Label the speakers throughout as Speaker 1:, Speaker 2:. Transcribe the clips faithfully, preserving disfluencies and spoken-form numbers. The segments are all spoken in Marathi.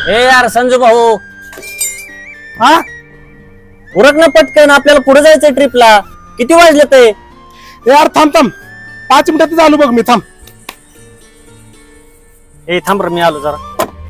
Speaker 1: ए यार संजू भाऊ,
Speaker 2: हा
Speaker 1: उरक ना पटकन, आपल्याला पुढे जायचंय ट्रिपला. किती वाजले ते?
Speaker 2: यार थांब थांब, पाच मिनिटात आलो बघ मी. थांब.
Speaker 1: ए थांब रे, मी आलो जरा.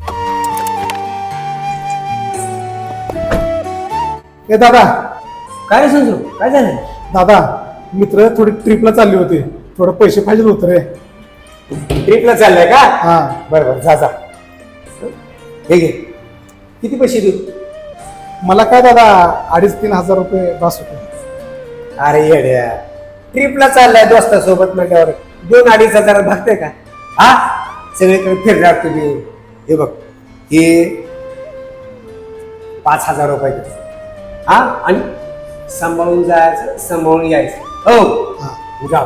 Speaker 2: ए दादा.
Speaker 1: काय रे संजू, काय झालं?
Speaker 2: दादा, मित्र थोडी ट्रिपला चालले होते, थोडं पैसे पाहिजे होते रे.
Speaker 3: ट्रिपला चाललाय का?
Speaker 2: हा
Speaker 3: बरं बरं, जा जा. हे घे, किती पैसे देऊ?
Speaker 2: मला काय दादा, अडीच तीन हजार रुपये बस होते.
Speaker 3: अरे येड्या, ट्रिपला चाललाय दोस्तासोबत म्हटल्यावर दोन अडीच हजार भागते का? हा, सगळीकडे फिरणार तुम्ही. हे बघ, हे पाच हजार रुपये दे. हा, आणि सांभाळून जायचं, सांभाळून यायचं. हो
Speaker 2: हा.
Speaker 3: जा.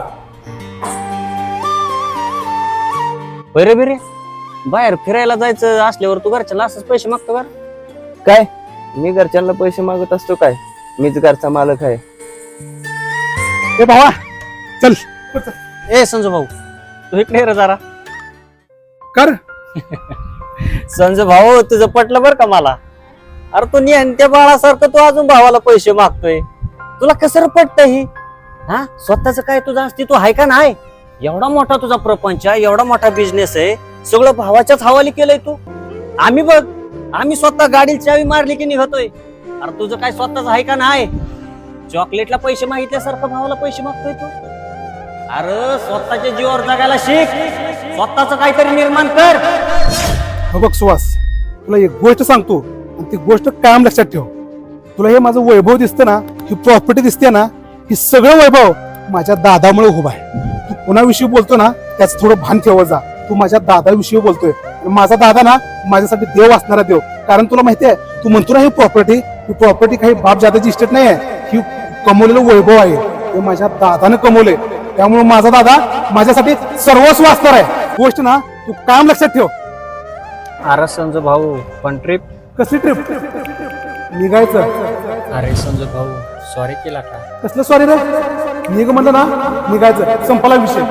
Speaker 1: बरे बरे, बाहेर फिरायला जायचं असल्यावर तू घरच्याला असंच पैसे मागतो का?
Speaker 4: काय मी घरच्यांना पैसे मागत असतो काय? मीच घरचा मालक आहे.
Speaker 2: ए भावा चल.
Speaker 1: ए संजू भाऊ, तू इकडे ये रे जरा.
Speaker 2: कर.
Speaker 1: संजू भाऊ, तुझं पटलं बरं का मला. अरे तू त्या बाळासारखं तू अजून भावाला पैसे मागतोय. तुला कसं पटत ही? हा, स्वतःच काय तुझं अस्तित्व आहे का नाही? एवढा मोठा तुझा प्रपंच आहे, एवढा मोठा बिझनेस आहे, सगळं भावाच्याच हवाली केलंय तू. आम्ही बघ, आम्ही स्वतः गाडीची चावी मारली की निघतोय. अरे तुझं काय स्वतःच आहे का नाही? चॉकलेटला पैसे मागितल्यासारखं भावाला पैसे मागतोय तू. अरे स्वतःच्या जीवावर जगायला शिक, स्वतःच काहीतरी निर्माण कर.
Speaker 2: हो बघ सुहास, तुला एक गोष्ट सांगतो आणि ती गोष्ट कायम लक्षात ठेव. तुला हे माझं वैभव दिसतं ना, ही प्रॉपर्टी दिसते ना, ही सगळं वैभव माझ्या दादामुळे उभा आहे. तू कोणाविषयी बोलतो ना, त्याच थोडं भान ठेवत जा. तू माझ्या दादाविषयी बोलतोय. माझा दादा ना माझ्यासाठी देव असणारा देव. कारण तुला माहितीये, तू म्हणतो ना ही प्रॉपर्टी, ही प्रॉपर्टी काही बाप जादाची इस्टेट नाही आहे. ही कमवलेलं वैभव आहे, ते माझ्या दादानं कमवले. त्यामुळे माझा दादा माझ्यासाठी सर्वस्व असणार आहे. गोष्ट ना तू कायम लक्षात ठेव.
Speaker 1: अरे संजू भाऊ, पण ट्रिप
Speaker 2: कसली ट्रिप? निघायचं.
Speaker 1: अरे संजू भाऊ, सॉरी केला का?
Speaker 2: कसलं सॉरी रे? निघ म्हणलं ना, निघायचं, संपला विषय.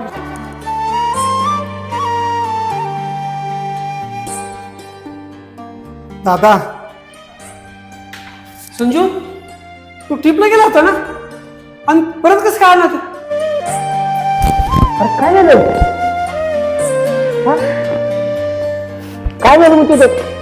Speaker 2: दादा.
Speaker 5: संजू, तू ट्रिपला गेला होता ना, आणि परत कसं काय आला तू?
Speaker 3: अरे काय झालं? हा? काय झालं मग तुझं?